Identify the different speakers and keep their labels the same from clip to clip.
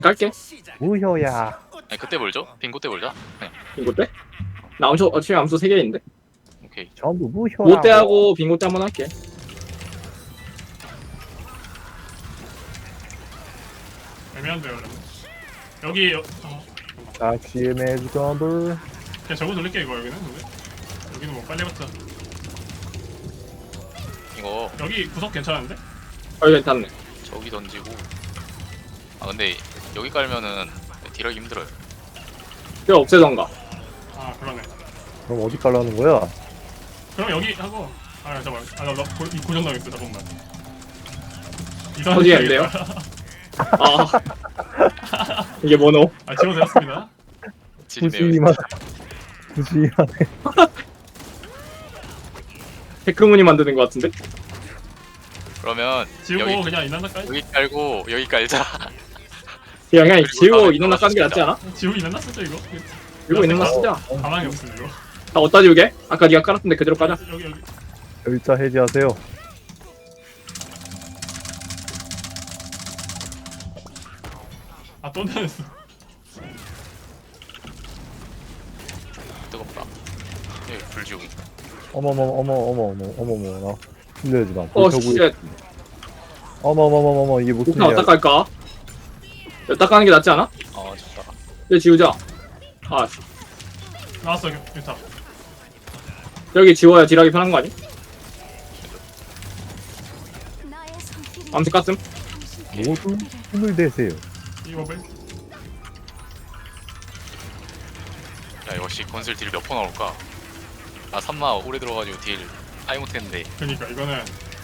Speaker 1: 깔게.
Speaker 2: 무효야.
Speaker 3: 아니 그때 몰죠? 빙고 때 몰자. 그냥
Speaker 1: 빙고 때? 나 암수 어차피 암수 3개 있는데.
Speaker 3: 오케이.
Speaker 2: 전부 무효라고.
Speaker 1: 뭐 때하고 빙고 때 한번 할게.
Speaker 4: 애매한데요 그러면. 여기
Speaker 2: 낚시의 매직 건들.
Speaker 4: 그냥 저거 돌릴게 이거 여기는 근데 여기는 뭐 빨리 봤자.
Speaker 3: 이거
Speaker 4: 여기 구석 괜찮은데?
Speaker 1: 괜찮네.
Speaker 3: 저기 던지고. 아 근데 여기 깔면은 딜하기 힘들어요.
Speaker 1: 이거 없애던가.
Speaker 4: 아 그러네.
Speaker 2: 그럼 어디 깔라는 거야?
Speaker 4: 그럼 여기 하고 아 잠깐만 아나 고정당했어 잠깐만.
Speaker 1: 어디에 안 돼요? 아 이게 뭐노?
Speaker 4: 아 지워졌습니다.
Speaker 3: 질이네요.
Speaker 2: 부시만. 부시만.
Speaker 1: 테크문이 만드는 것 같은데?
Speaker 3: 그러면
Speaker 4: 지우고
Speaker 3: 여기
Speaker 4: 그냥 이난다 깔.
Speaker 3: 여기 깔고 여기 깔자.
Speaker 1: 그냥
Speaker 3: 그리고
Speaker 1: 지우고
Speaker 3: 다음에
Speaker 1: 인원 낚아는 게 낫지 않아?
Speaker 4: 지우고 이난다 쓰죠 이거.
Speaker 1: 지우고 인원 낚쓰자.
Speaker 4: 가망이 없음 이거.
Speaker 1: 다 어디다 지우게? 아까 네가 깔았던데 그대로 까자.
Speaker 4: 여기
Speaker 2: 결자 해지하세요.
Speaker 4: 아 또 나였어.
Speaker 3: 뜨겁다. 여기 불 지우기.
Speaker 2: 어머머. 나 실례하지 마.
Speaker 1: 쉣.
Speaker 2: 어머머머머머 이게 무슨
Speaker 1: 목판
Speaker 2: 일이야?
Speaker 1: 어디다 깔까? 여기다 까는 게 낫지 않아?
Speaker 3: 좋다.
Speaker 1: 여기 지우자. 아
Speaker 4: 나왔어 유타.
Speaker 1: 여기 지워야 딜하기 편한 거 아니? 암수 깠음?
Speaker 2: 모두 힘을 대세요.
Speaker 4: 이거 왜?
Speaker 3: 야 역시 건슬 딜 몇 번 나올까? 나 3마 오래 들어가지고 딜 하이 못했는데.
Speaker 4: 그러니까 이거는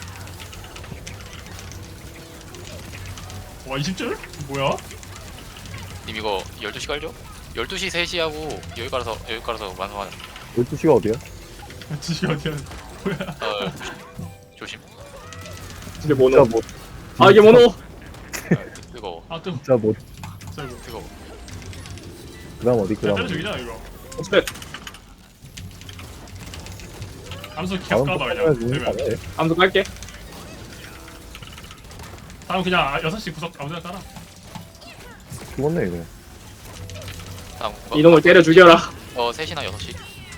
Speaker 4: 와 20줄? 뭐야?
Speaker 3: 님 이거 12시 깔죠? 12시 3시 하고 여기 깔아서 완성하자.
Speaker 2: 12시가 어디야?
Speaker 4: 지시 어디야? 뭐야?
Speaker 3: 조심.
Speaker 1: 이게 뭐노?
Speaker 2: 진짜 뭐
Speaker 1: 아 이게 뭐노?
Speaker 3: 뜨거워.
Speaker 4: 아 또.
Speaker 2: 진짜 뭐
Speaker 4: 저거.
Speaker 3: 뜨거워.
Speaker 2: 그다음 어디
Speaker 4: 때려
Speaker 2: 그다음
Speaker 4: 죽이자 이거.
Speaker 1: 쉣.
Speaker 4: 암수
Speaker 2: 다음
Speaker 4: 기억 까봐
Speaker 2: 거
Speaker 4: 그냥. 되면.
Speaker 2: 돼.
Speaker 1: 암수 깔게.
Speaker 4: 다음 그냥 6시 구석 아무데나 깔아.
Speaker 2: 죽었네 이거.
Speaker 3: 다음
Speaker 1: 이놈을 때려 죽여라.
Speaker 3: 3시나 6시.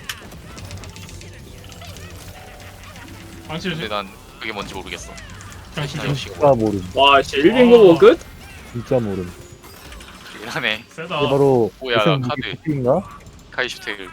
Speaker 4: 방치를
Speaker 3: 근데 난 그게 뭔지 모르겠어.
Speaker 4: 그냥
Speaker 3: 3시나
Speaker 4: 진짜
Speaker 3: 6시가
Speaker 2: 진짜 모름.
Speaker 1: 와 씨 1빙고 끝?
Speaker 2: 진짜 모름.
Speaker 3: 이긴 하네.
Speaker 4: 세다.
Speaker 2: 이게 바로
Speaker 3: 뭐야,
Speaker 2: 계산
Speaker 3: 카드.
Speaker 2: 무기 쿠키인가?
Speaker 3: 카이슈테를.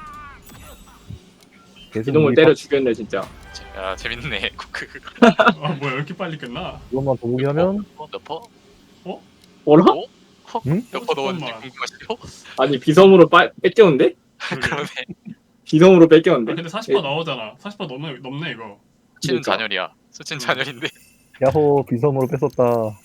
Speaker 2: 계산
Speaker 1: 이놈을
Speaker 2: 무기
Speaker 1: 때려 죽였네 진짜.
Speaker 3: 야 재밌네. 그
Speaker 4: 아 뭐야 왜 이렇게 빨리 끝나?
Speaker 2: 그것만 도무기 하면
Speaker 3: 몇 퍼?
Speaker 1: 뭐라?
Speaker 3: 어?
Speaker 2: 응?
Speaker 3: 몇 퍼 넣었는지
Speaker 4: 잠깐만.
Speaker 3: 궁금하시죠?
Speaker 1: 아니 비섬으로 뺏겼는데?
Speaker 3: 그러네.
Speaker 1: 비섬으로
Speaker 4: 아,
Speaker 1: 뺏겼는데?
Speaker 4: 근데 40% 나오잖아. 40% 넘네 이거.
Speaker 3: 수치는
Speaker 1: 그러니까.
Speaker 3: 잔열이야. 수치는 잔열인데.
Speaker 2: 야호 비섬으로 뺏었다.